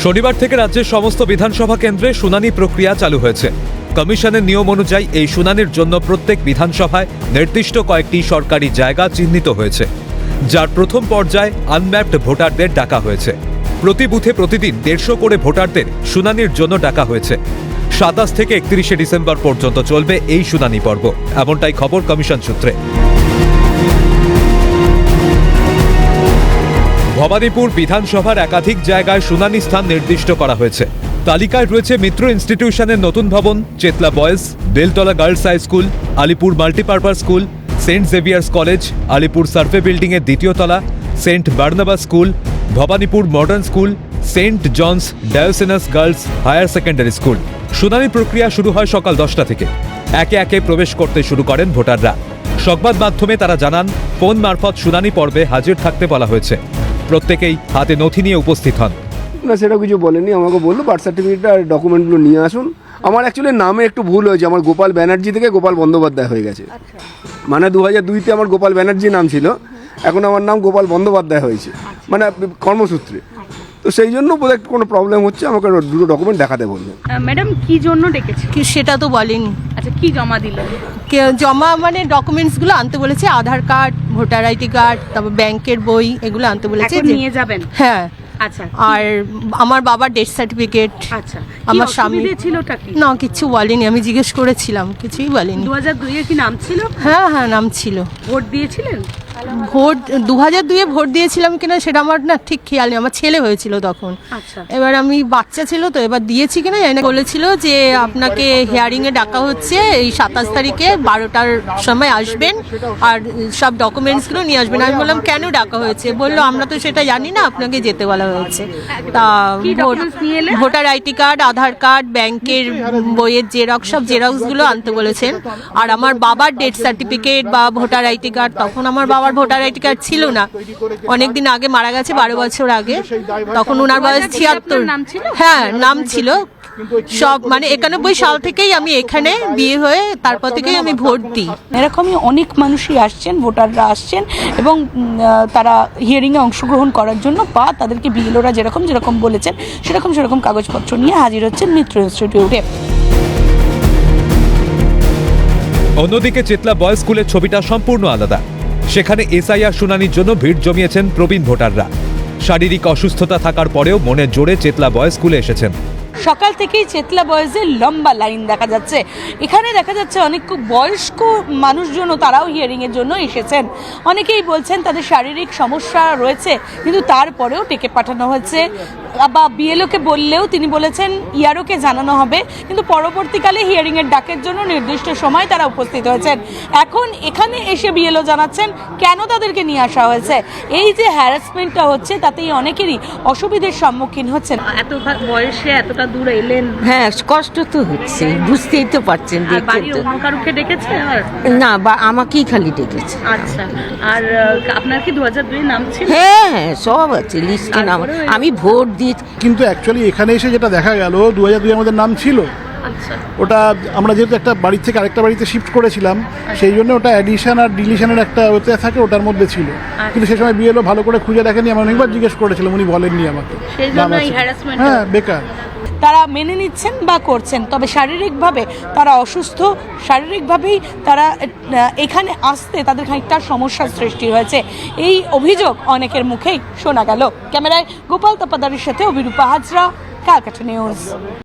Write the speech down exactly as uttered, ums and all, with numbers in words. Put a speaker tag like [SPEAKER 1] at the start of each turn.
[SPEAKER 1] শনিবার থেকে রাজ্যের সমস্ত বিধানসভা কেন্দ্রে শুনানি প্রক্রিয়া চালু হয়েছে। কমিশনের নিয়ম অনুযায়ী এই শুনানির জন্য প্রত্যেক বিধানসভায় নির্দিষ্ট কয়েকটি সরকারি জায়গা চিহ্নিত হয়েছে, যার প্রথম পর্যায়ে আনম্যাপড ভোটারদের ডাকা হয়েছে। প্রতি বুথে প্রতিদিন দেড়শো করে ভোটারদের শুনানির জন্য ডাকা হয়েছে। সাতাশ থেকে একত্রিশে ডিসেম্বর পর্যন্ত চলবে এই শুনানি পর্ব, এমনটাই খবর কমিশন সূত্রে। ভবানীপুর বিধানসভার একাধিক জায়গায় শুনানি স্থান নির্দিষ্ট করা হয়েছে। তালিকায় রয়েছে মিত্র ইনস্টিটিউশনের নতুন ভবন, Chetla boys, Beltala girls high school, Alipore multipurpose school, saint Xavier's college, Alipore survey building এর দ্বিতীয় তলা, saint Barnabas school, Bhowanipore modern school, saint John's Diocesan girls higher secondary school. শুনানি প্রক্রিয়া শুরু হয় সকাল দশটা থেকে। একে একে প্রবেশ করতে শুরু করেন ভোটাররা। সংবাদ মাধ্যমে তারা জানান, ফোন মারফত শুনানি পর্বে হাজির থাকতে বলা হয়েছে। প্রত্যেকেই হাতে নথি নিয়ে উপস্থিত হন।
[SPEAKER 2] না, সেটা কিছু বলেনি, আমাকে বললো বার্থ সার্টিফিকেট আর ডকুমেন্টগুলো নিয়ে আসুন। আমার অ্যাকচুয়ালি নামে একটু ভুল হয়েছে, আমার গোপাল ব্যানার্জি থেকে গোপাল বন্দ্যোপাধ্যায় হয়ে গেছে। মানে দু হাজার দুইতে আমার গোপাল ব্যানার্জি নাম ছিল, এখন আমার নাম গোপাল বন্দ্যোপাধ্যায় হয়েছে, মানে কর্মসূত্রে। তো সেই জন্য বোধহয় কোনো প্রবলেম হচ্ছে, আমাকে দুটো ডকুমেন্ট দেখাতে বললেন।
[SPEAKER 3] ম্যাডাম কি জন্য ডেকেছে?
[SPEAKER 4] কি সেটা তো বলেনি।
[SPEAKER 3] আচ্ছা, কি জমা দিল?
[SPEAKER 4] জমা মানে ডকুমেন্টসগুলো আনতে বলেছে, Aadhaar card, voter ID card, তারপর ব্যাংকের বই, এগুলো আনতে বলেছে।
[SPEAKER 3] এখন নিয়ে যাবেন?
[SPEAKER 4] হ্যাঁ।
[SPEAKER 3] আচ্ছা,
[SPEAKER 4] আর আমার বাবার ডেথ সার্টিফিকেট।
[SPEAKER 3] আচ্ছা,
[SPEAKER 4] আমার স্বামী
[SPEAKER 3] ছিলটা কি?
[SPEAKER 4] না, কিছু বলেনি, আমি জিজ্ঞেস করেছিলাম, কিছুই বলেনি।
[SPEAKER 3] দু হাজার দুই এর কি নাম ছিল?
[SPEAKER 4] হ্যাঁ হ্যাঁ, নাম ছিল।
[SPEAKER 3] ভোট দিয়েছিলেন?
[SPEAKER 4] ভোট দু হাজার দুইয়ে ভোট দিয়েছিলাম কিনা সেটা আমার না ঠিক খেয়াল নেই, আমার ছেলে হয়েছিল তখন।
[SPEAKER 3] আচ্ছা,
[SPEAKER 4] এবার আমি বাচ্চা ছিল তো, এবার দিয়েছি কিনা জানি না। বলেছিল যে আপনাকে হিয়ারিং এ ডাকা হচ্ছে, এই সাতাশ তারিখে বারোটার সময় আসবেন আর সব ডকুমেন্টসগুলো নিয়ে আসবেন। আমি বললাম কেন ডাকা হয়েছে? বললো আমরা তো সেটা জানি না, আপনাকে যেতে বলা হয়েছে। তা voter ID card, Aadhaar card, ব্যাংকের বইয়ের জেরক্স, সব জেরক্সগুলো আনতে বলেছেন। আর আমার বাবার ডেথ সার্টিফিকেট বা ভোটার আইডি কার্ড, তখন আমার বাবার ভোটার আইডি কার্ড ছিল না, অনেকদিন আগে মারা গেছে, বারো বছর আগে। তখন ওনার বয়স ছিয়াত্তর। হ্যাঁ, নাম ছিল সব, মানে একানব্বই সাল থেকেই আমি এখানে বিয়ে হয়ে তারপর থেকেই আমি ভোট দিই।
[SPEAKER 5] এরকমই অনেক মানুষই আসছেন, ভোটাররা আসছেন এবং তারা হিয়ারিংয়ে অংশগ্রহণ করার জন্য বা তাদেরকে বিএলওরা যেরকম যেরকম বলেছেন সেরকম সেরকম কাগজপত্র নিয়ে হাজির হচ্ছেন মিত্র ইনস্টিটিউটে।
[SPEAKER 1] অন্যদিকে চেতলা বয়েজ স্কুলের ছবিটা সম্পূর্ণ আলাদা। সেখানে এসআইআর শুনানির জন্য ভিড় জমিয়েছেন প্রবীণ ভোটাররা। শারীরিক অসুস্থতা থাকার পরেও মনের জোরে চেতলা বয়েজ স্কুলে এসেছেন।
[SPEAKER 5] সকাল থেকেই চেতলা বয়েজের লম্বা লাইন দেখা যাচ্ছে। এখানে দেখা যাচ্ছে অনেক খুব বয়স্ক মানুষজনও তারাও হিয়ারিংয়ের জন্য এসেছেন। অনেকেই বলছেন তাদের শারীরিক সমস্যা রয়েছে, কিন্তু তারপরেও ডেকে পাঠানো হয়েছে। বা বিএলওকে বললেও তিনি বলেছেন ইয়ারওকে জানানো হবে, কিন্তু পরবর্তীকালে হিয়ারিংয়ের ডাকের জন্য নির্দিষ্ট সময় তারা উপস্থিত হয়েছেন। এখন এখানে এসে বিএলও জানাচ্ছেন কেন তাদেরকে নিয়ে আসা হয়েছে। এই যে হ্যারাসমেন্টটা হচ্ছে তাতেই অনেকেরই অসুবিধার সম্মুখীন হচ্ছেন।
[SPEAKER 3] এত বয়সে এতটা দূর এলেন,
[SPEAKER 6] হ্যাঁ কষ্ট তো হচ্ছে, বুঝতেই তো পারছেন।
[SPEAKER 3] কারুকে ডেকেছে?
[SPEAKER 6] না, বা আমাকেই খালি ডেকেছে।
[SPEAKER 3] আচ্ছা, আর আপনার কি দু হাজার দুই নাম ছিল?
[SPEAKER 6] হ্যাঁ হ্যাঁ, সব আছে লিস্টে নাম। আমি ভোট দিই,
[SPEAKER 7] কিন্তু অ্যাকচুয়ালি এখানে এসে যেটা দেখা গেল, দু হাজার দুই আমাদের নাম ছিল।
[SPEAKER 3] আচ্ছা,
[SPEAKER 7] ওটা আমরা যেহেতু একটা বাড়ি থেকে আরেকটা বাড়িতে শিফট করেছিলাম, সেই জন্য ওটা অ্যাডিশন আর ডিলিশনের একটা ওতে থাকে, ওটার মধ্যে ছিল। কিন্তু সেই সময় বিএলও ভালো করে খুঁজে দেখেনি, আমি অনেকবার জিজ্ঞেস করেছিলাম, উনি বলেননি আমাকে। হ্যাঁ, বেকার।
[SPEAKER 5] তারা মেনে নিচ্ছেন বা করছেন, তবে শারীরিকভাবে তারা অসুস্থ। শারীরিকভাবেই তারা এখানে আসতে তাদের খানিকটা সমস্যার সৃষ্টি হয়েছে, এই অভিযোগ অনেকের মুখেই শোনা গেল। ক্যামেরায় গোপাল তপাদারের সাথে অভিরূপা হাজরা, ক্যালকাটা নিউজ।